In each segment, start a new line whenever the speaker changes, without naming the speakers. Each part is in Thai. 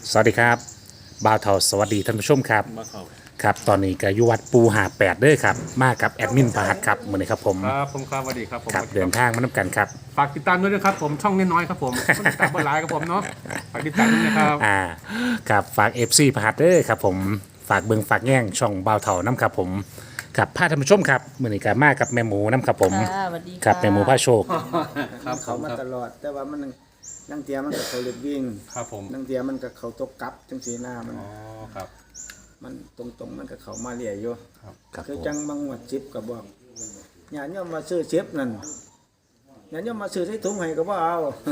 สวัสดีครับบ่าวเทาสวัสดีท่านผู้ชมครับ
มาเข้า
ครับตอนนี้ก็อยู่วัดปูหาแปดเด้อครับมากับแอดมินประหัตครับมือนี้ครับผม
ครับผมครับสวัสดีครับผม
ครับเดินทางมาน้ำกันครับ
ฝากติดตามด้วยนะครับผมช่องน้อยๆครับผมคนติดตามเบอร์ไลน์ครับผมเนาะฝากติดตามด้วยนะครับ
ครับฝากเอฟซีประหัตเด้อครับผมฝากเบิงฝากแง่งช่องบ่าวเทาน้ำครับผมครับพาท่านผู้ชมครับมือนี้ก็มากับแม่หมูน้ำครับผม
ค่ะสวัสดี
ครับ
ค่ะ
แม่หมูพระโชค
ครับผ
เขา
ม
มา
ครับ
ตลอด แต่ว่ามันนั่งเตียมันกับเขาเล็กวิ่ง
ครับผม
นั่งเตียมันกับเขาตกกลับจังสีหน้ามัน
อ๋อครับ
มันตรงๆมันกับเขามาเลี่ยอยู่
ครับ
ครับ
คือ
ผม
จังบางหวัดจิบกับบอกอย่าเนี่ยมาซื้อเชฟนั่นอย่าเนี่ยมาซื้อใส่ถุงให้ก็บ่เอา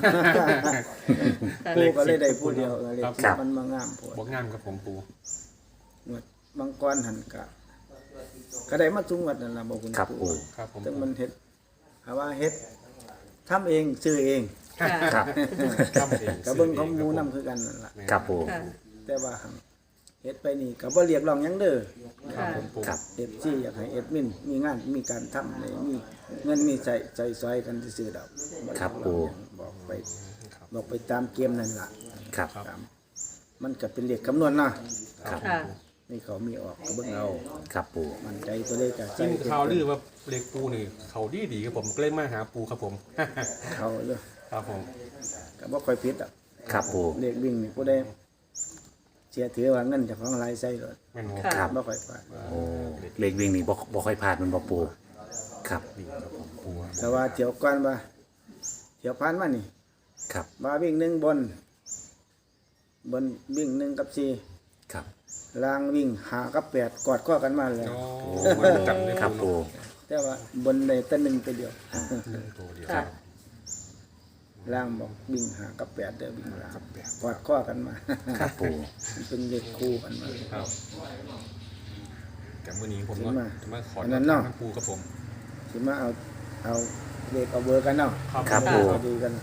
ปูก็เลยได้ผู้เดียวเลยมันมางามปวด
บอกงามครับผมปู
หวดบางก้อนหันกะก็ได้มาทุงวัดนั่นล่ะบอกคุณ
ครับ
ปู
ปู
ครับผม
ถึงมันเฮ็ดหาว่าเฮ็ดทำเองซื้อเอง
ค่ะ
ครับ
ครับเอง
กับเบิ่งของหมูนำคือกันนั่นล่ะ
ครับปู
ค่ะ
แต่ว่าหั่นเฮ็ดไปนี่ก็บ่เรียกร้องหยังเด้อ
ครับผมปู
ครับ
เอฟซีอยากให้เอ็ดมินมีงานมีการทำเลยมีเงินมีใจซอยกันซื่อๆดอก
ครับปู
บอกไปตามเกมนั่นล่ะ
ครับ
ตามมันก็เป็นเลขคำนวณเนาะ
ครับ
ค่ะ
นี่เขามีออกก็เบิ่งเอา
ครับปู
มันใจตัวเลขก็
จริงข่าวลือว่าเล็กปูนี่เขาดีครับผมก็เลยมาหาปูครับผม
เขาเลย
ครับผม
ก็บ่ค่อยผิดอ่ะ
ครับปู
เลขวิ่งนี่ผู้ใดเสียถือว่าเงินเจากของรายใส่เลย
แม่นบ่
ค่ะ
บ่ค่อยพลาด
โอ้เลขวิ่งนี่บ่ค่อยพลาดมันบ่ปูครับ
ดีครับผมปู
แต่ว่าเที่ยวก่อนว่าเที่ยวผ่านมานี่
ครับ
ว่าวิ่งหนึ่งบนวิ่งหนึ่งกับสี่
ครับ
ล่างวิ่งหากับแปดกอดข้อกันมาเลย
อ๋อมาจับเลย
ครับปู
แต่ว่าบนได้แต่หนึ่งตัวเดียว
ตัวเดียว
ค่ะ
ล่างบอกวิ่งหากับแปดเด้อวิ่งล่างกอดข้อกันมา
ครับปู
มันเป็นเลขคู่กันมา
ครับแต่มื้อนี้ผม
ถึงมา
จะมาขอ
อันนั้นเนาะ
ปูครับผม
สิมาเอาเลขเอาเบอร์กันเนาะ
ครับปู
เอาดีกัน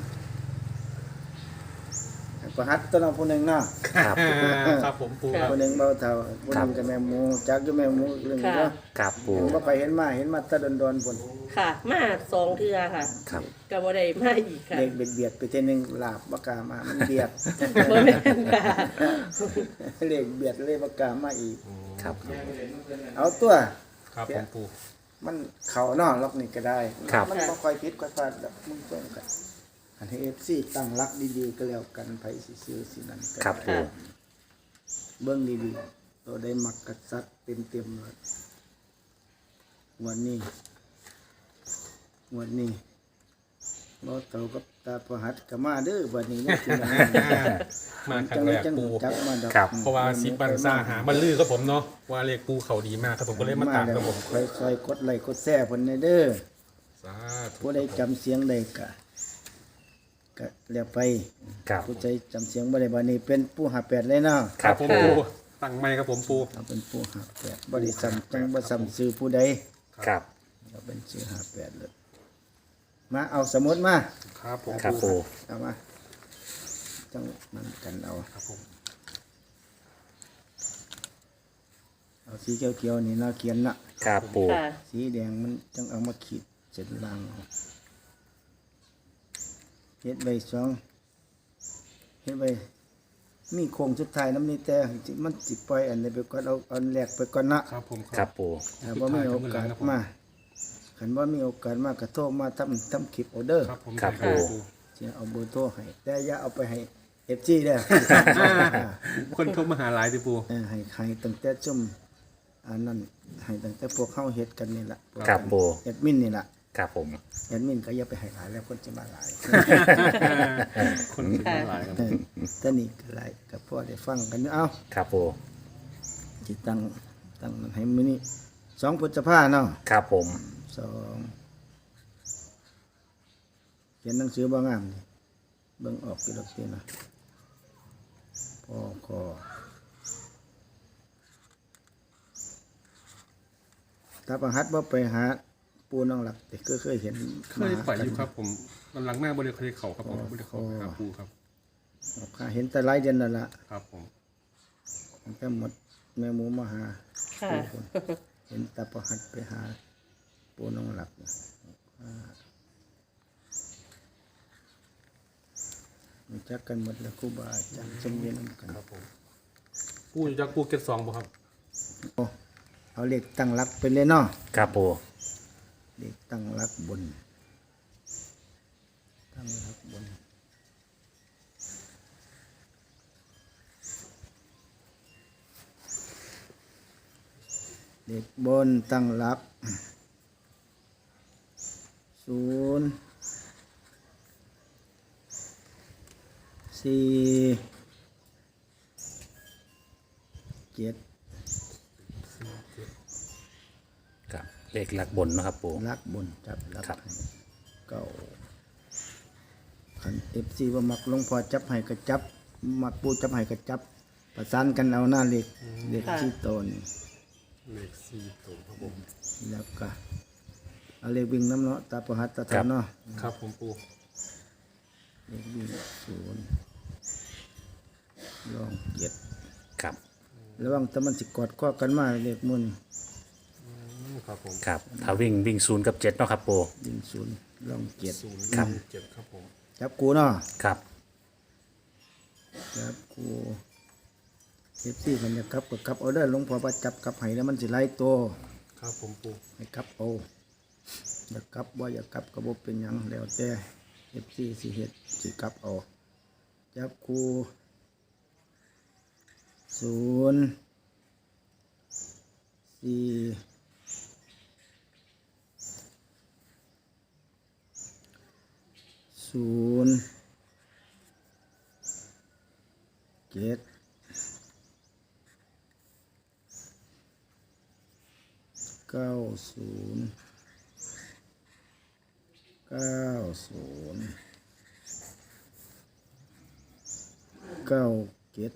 ประหัดตัวน้องผู้หนึ่งเนาะ
ครับ
ครับผมปูครับ
ผู้หนึ่งเบาเท่าผู้หนึ่งกับแม่หมูจักอยู่แม่หมูเรื่องนี้เนาะ
ครับปู
ยังบ่ไปเห็นมาแตะดอนๆพุ่น
ค่ะ มาสองเทือค่ะ
ครับ
กับบ่ได้มาอีกค่ะ
เลขเบียดไปเท่ยหนึงลาบบ่กล้ามามันเบียด
บ่แม่นค่ะ
เลขเบียดเลยบ่กล้ามาอีก
ครับ
เอาตัว
ครับผมปู
มันเข่าเนาะล็อกนี่ก็ได้
ครับ
มันบ่ค่อยผิดค่อยพลาดดอกมึงต้องกันอันให้ FC ตั้งหลักดีๆก็แล้วกันไผสิซื้อสินั่นก็
ครับปู
เบิ่งดีๆตัวได้มักกษัตริย์เต็มๆเลยวันนี้บ่เท่ากับตาประหัดก็มาเด้อวันนี้ยังสิมา
มาครั้งแรกปู
จักมาดอก
ครับ
เพราะว่าซิบันซาหาบันลือครับผมเนาะว่าเลขปูเขาดีมากครับผมก็เลยมาตามครับผม
คอยซอยกดไลค์กดแชร์เพิ่นในเด้อ
สาธุ
ผู้ใดจำเสียงได้ก็แล้วไป
ครับ
ผู้ใจจำเสียงบ่ได้บัดนี้เป็นผู้หาแปดเลยเนาะ
ครับ
ผม
ปู
ปูตั้งไม้ครับผมปู
เอาเป็นผู้หาแปดบ่ได้ซ้ำจังบ่ซ้ำซื้อผู้ใด
ครับ
เอาเป็นซื้อหาแปดเลยมาเอาสมุดมา
ครับผม
ครับปู
เอามาจังมันกันเอา
ครับผม
เอาสีเขียวๆนี่เนาะเขียนน่ะ
ครับปู
ค่ะ
สีแดงมันจังเอามาขีดเส้นล่างเอาเฮ็ดใบสองเฮ็ดใบมีโครงสุดท้ายน้ำนี้แต่มันสิปล่อยอันนี้ไปก่อนเอาอันแรกไปก่อนนะครับ
ผม
ครับปู
ถ้าบ่มีโอกาสมาคันบ่มีโอกาสมาก็โทรมาทำคลิปออเดอร์
ครับผม
ครับปู
สิเอาเบอร์โทรให้แต่อย่าเอาไปให้ FG เด้อ
คนโทรมาหาหลายติปู
ให้ตั้งแต่จุ่มอันนั้นให้ตั้งแต่พวกเฮาเฮ็ดกันนี่ล่ะ
ครับปู
แอดมินนี่ล่ะ
ครับผม
แอดมินก็อย่าไปให้หลายแล้วคนจะมาหลาย
คนโทรมาหลายครับ
แต่นี่ก็หลายก็พอได้ฟังกันอยู่เอา
ครับปู
สิตั้งมันให้มื้อนี้2พฤษภาเนาะ
ครับผม
2เขียนหนังสือบ่งามนี่เบิ่งออกกี่ดอกตินะพอคอถ้าประหัดบ่ไปหาปูน้องหลักแต่ก็เคยเห็น
เคยไปอยู่ครับผมมันหลังแม่บริเคยเข่าครับผมบริเขาหาปูครับ
ข้าเห็นแต่หลายเดือนนั่นล่ะ
ครับผม
ตั้งแต่หมดแม่หมูมาหา
ค่ะ
เห็นตาประหัดไปหาปูน้องหลักรู้จักกันหมดแล้วครูบาอาจารย์สมเด็จนำกัน
ครับผมปูอยู่จากปูเก็ตสองบ่ครับ
โอ้เอาเลขตั้งหลักไปเลยเนาะ
ครับปู
เลขตั้งหลักบน ตั้งหลักบนเลขบนตั้งหลักศูนย์สี่เจ็ด
ครับเลขหลักบนเนาะครับปู
ลักบนจับลัก
ครับ
ให้เก้าขันเอฟซีว่ามักหลวงพอจับให้ก็จับมักปูจับให้ก็จับ ประสานกันเอาหน้าเลขเลขที่โตน
เลข4ตัวครับผม
แล้วก็เอาเลขวิ่งน้ำเนาะตาประหัตตาทานเนาะ
ครับผมปู
เลขวิ่งศูนย์ลองเจ็ด
ครับ
ระวังแต่มันสิกอดข้อกันมาเลขมุน
ครับผม
ครับถ้าวิ่ง0กับ7เนาะครับปู
วิ่งศูนย์ลองเจ็ด
ครับ
7ครับผม
จับกูเนาะ
ครับ
จับกูเอฟซีคนจะกลับก็กลับเอาเด้อหลวงพ่อว่าจับกลับให้แล้วมันสิไล่ตัว
ครับผมปู
ให้กลับเอาอยากกลับว่าอยากกลับก็บ่เป็นหยังแล้วแต่เอฟซีสิเฮ็ดสิกลับเอาจับกูศูนย์สี่ศูนย์เจ็ดเก้าศูนย์เก้าศูนย์เก้าเจ็ด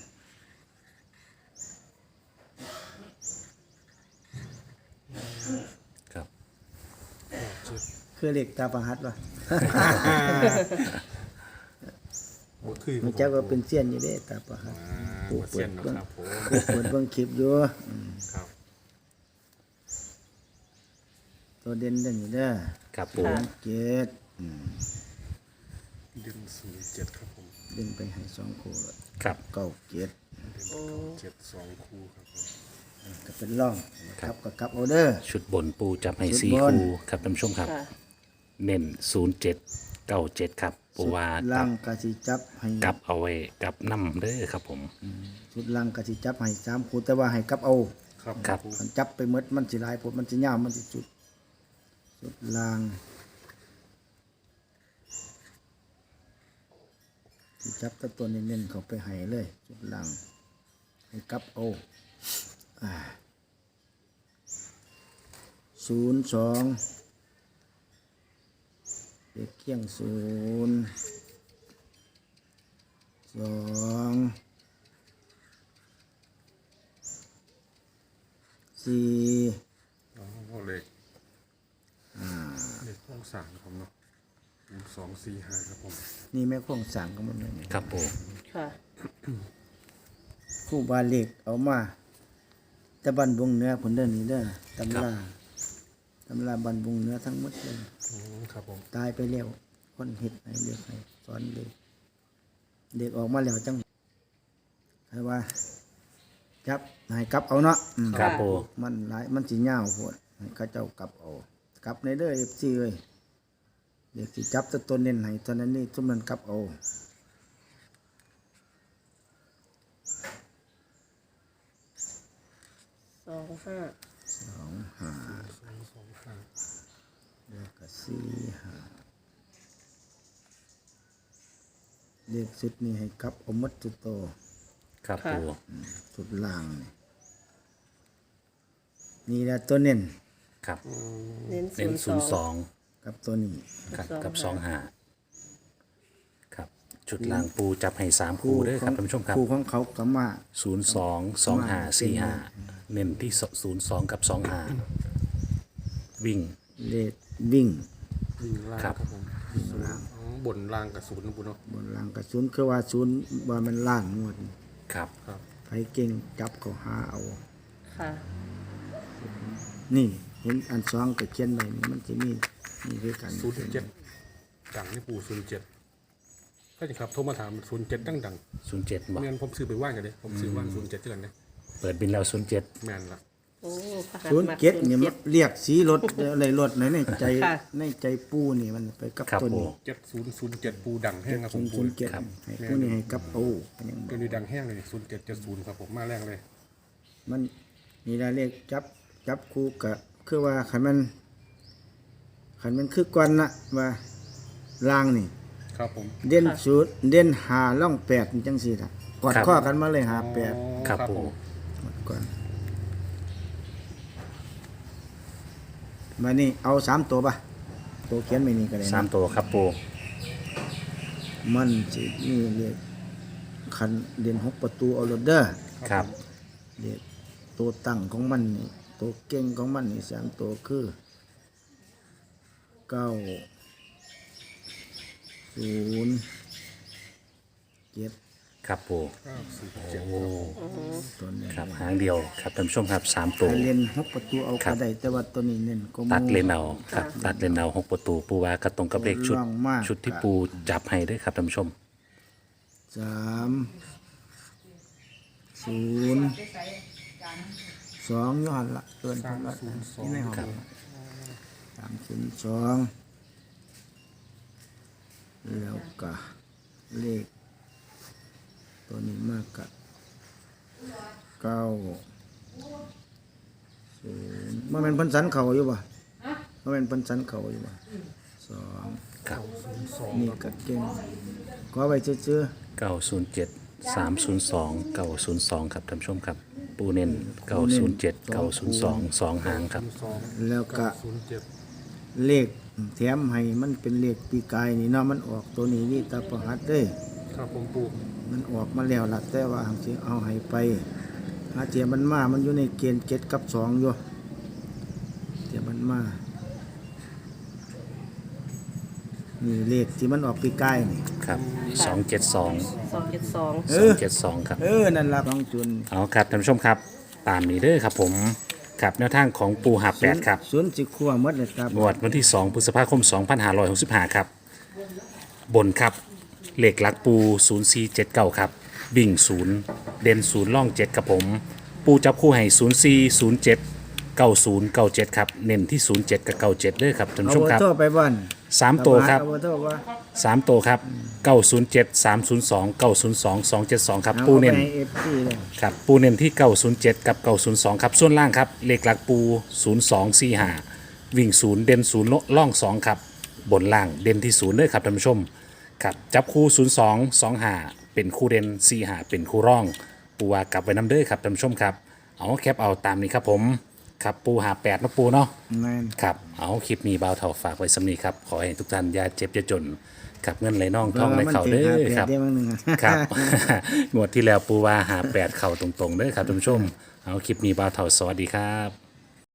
ครับ
คือเลขตาประหัดวะ
บ่คือ
มันเจ้าก็เป็นเสี้ยนอยู่เด้ตาประหัด
ปูเสียนเนาะครับผม
เปิดเบิ่งคลิปอยู่
ครับ
ตัวเด่นเด่นอยู่เด้อ
ครับปู
เจ็ด
ดึง07ครับผม
เด่นไปให้สองคู่แล้ว
ครับ
เก้าเจ็ด
7 2คู่ครับผม
ก็เป็นร่องครับก็กลับเอาเด้อ
ชุดบนปูจับให้
ชุด
4
บน
คู่ครับท่านผู้ชมครับ
ค่ะ
เน้น07 97ครับปูว่า
ล่างกะสิจับให้
กลับเอาไว้กลับน้ำเด้อครับผม
ชุดล่างกะสิจับให้สามคู่แต่ว่าให้กลับเอา
ครับ
ครับ
มันจับไปหมดมันสิหลายผลมันสิยาวมันสิจุดชุดล่างสิจับแตัวตัวเน้นๆเขาไปให้เลยชุดล่างให้กลับเอา02เด็กเคียง02 4
อ๋อเลขเลขห้องสามครับเนาะ2 4 5ครับผม
นี่แม่ข้องสั่งก็มันไม่
ครับปู
ค่ะ
คู่บาเล็กเอามาแต่บันบุงเนื้อผลเดินนี้เด้อตำราบันบุงเนื้อทั้งหมดเลย
ครับผม
ตายไปแล้วคนเห็ดให้เด็กให้สอนเด็กเด็กออกมาแล้วจังให้ว่าจับให้กลับเอาเนาะ
ครับปู
มันหลายมันสิยาวโพดให้เขาเจ้ากลับเอากลับในเด้อ FC เอ้ยเด็กสิจับแตัวตนเน้นให้ตอนนั้นนี่ทุกมันกลับเอา
25
แล้วก็4 5เลขสุดนี่ให้กลับเอาหมดทุกโตว
ครับปู
สุดล่างนี่นี่แหละตัวเน้น
ครับ
เน้น
เน้น
02
กับตัวนี้
02ครับกับ25ครับชุดล่างปูจับให้3คู่เด้อครับท่านผู้ชมครับ
คู่ของเขากมา
02 25 45เน้นที่02กับ25วิ่ง
เลขวิ่ง
วิ่งล่าง
ครับ
ครับผมอ๋อบนล่างกับศูนย์นะปูเนาะ
บนล่างกับศูนย์คือว่าศูนย์ว่ามันล่างงวด
ครับ
ครับ
ใครเก่งจับเขาหาเอา
ค่ะ
นี่เห็นอันสองกับเขียนไว้นี่มันจะมีนี่คือกัน
07จังนี่ปู07 ก็จะครับโทรมาถาม07ดัง
07
ๆ
บอก
เงินผมซื้อไปว่างกันเลยผมซื้อว่าง07ที่กันเนี่ย
เปิดบินแล้ว
แม่นละ
โอ้พระหัต
ศูนย์
มัก
เจ็ดเนี่ย
07
เรียกสีรถอะไรรถในใจ
ค่ะ
ในใจปูนี่มันไปกับ
ครับ
ตัว
ปู
นี้
7007ปูดังแห้งครับผมปู
007ให้ปูนี่ให้กับปูมันยังบ
ตัวนี้ดังแห้งเลย0770ครับผมมาแรงเลย
มันมีรายเลขจับคู่กับคือว่าขันมันคือก่อนนะว่าลางนี่
ครับผม
เด่นศูนย์เด่นหาล่องแปดจังสี่ละกอดข้อกันมาเลยหาแปด
ครับปู
หมดก่อนมานี่เอา3 ตัวป่ะตัวเขียนไม่นี่ก็ได้นะ
3 ตัวครับปู
มันสินี่เรียกคันเด่น6 ประตูเอารถเด้อ
ครับ
เรียกตัวตั้งของมันนี่ตัวเก่งของมันนี่3 ตัวคือ9 0 7
ครับปู
907
โอ้
ตัวนี้
ครับหางเดียวครับท่านผู้ชมครับ3 ตัว
ถ้าเล่น6 ประตูเอา
ครั
ก็
บ
ได้แต่ว่าตัวนี้เน้นก็
ตัดเลนเอาครับตัดเลนเอา6 ประตูปูว่ากระตรงกับเลขชุด
ร่องมาก
ชุดที่ปูจับให้ด้วยครับท่านผู้ชม
3 0 2ย้อนละเกินพันละที่ในห้อง302แล้วก็เลขตัวนี้มากกับ90มันเป็นพันสันเขาอยู่ป่ะมันเป็นพันสันเขาอยู่ป่ะ2
ครับ
นี่ก็เก่งก็ไว้ซื่อ
907 302 902ครับท่านผู้ชมครับปูเน้น907 902 2หางครับ
ๆแล้วก็
07
เลขแถมให้มันเป็นเลขปีกายนี่เนาะมันออกตัวนี้นี่ตาประหัดเด้
ครับผมปู
มันออกมาแล้วล่ะแต่ว่าหางสิเอาให้ไปหาเทียมันมามันอยู่ในเกณฑ์7 กับ 2อยู่เทียมันมานี่เลขที่มันออกปีกายนี่
ครับ272
272
272ครับ
นั่นล่ะของจุน
เอาครับท่านผู้ชมครับตามนี้เด้อครับผมครับแนวทางของปูหาบ8ครับ
ศูนย์สิคั่วหมดเลยครับ
งวดวันที่ 2 พฤษภาคม 2565 ครับ บนครับเหล็กลักปู 0479 ครับ บิ่ง 0 เด่น 0 ล่อง 7 ครับผม ปูจับคู่ให้ 04 07 90 97 ครับ เน้นที่ 07 กับ 97เด้อครับท่าน
เอา
ผู้ชม
เบอ
ครับ
ร์โทรไปบ้าน
3 ตัวครับ
เอาเบอร์โทรว่า
3 ตัวครับ 907 302 902 272 ครับ
เอา
ปูเน้น
ไปให้ FP เลย
ครับปูเน้นที่ 907 กับ 902 ครับ ส่วนล่างครับเลขหลักปู 0245 วิ่ง 0 เด่น 0 ล่อง 2 ครับ บนล่างเด่นที่ 0เลยครับท่านผู้ชม ครับ จับคู่ 02 25 เป็นคู่เด่น45 เป็นคู่ร่อง ปูว่ากลับไว้น้ำเด้อครับท่านผู้ชมครับ เอาแคปเอาตามนี้ครับผม ครับปูหา8นะปูเนาะ
แม่น
ครับ เอาคลิปนี้บ่าวเท่าฝากไว้สำนีครับ ขอให้ทุกท่านอย่าเจ็บอย่าจนกับเงินไหลน่องท่องไหลเข่าเด้อครับ
เดี๋ยวมันหนึ่ง
ครับ งวดที่แล้วปูว่าหา8เข่าตรงๆเด้อครับท่านผู้ชม เอาคลิปนี้บ่าวเท่าสวัสดีครับ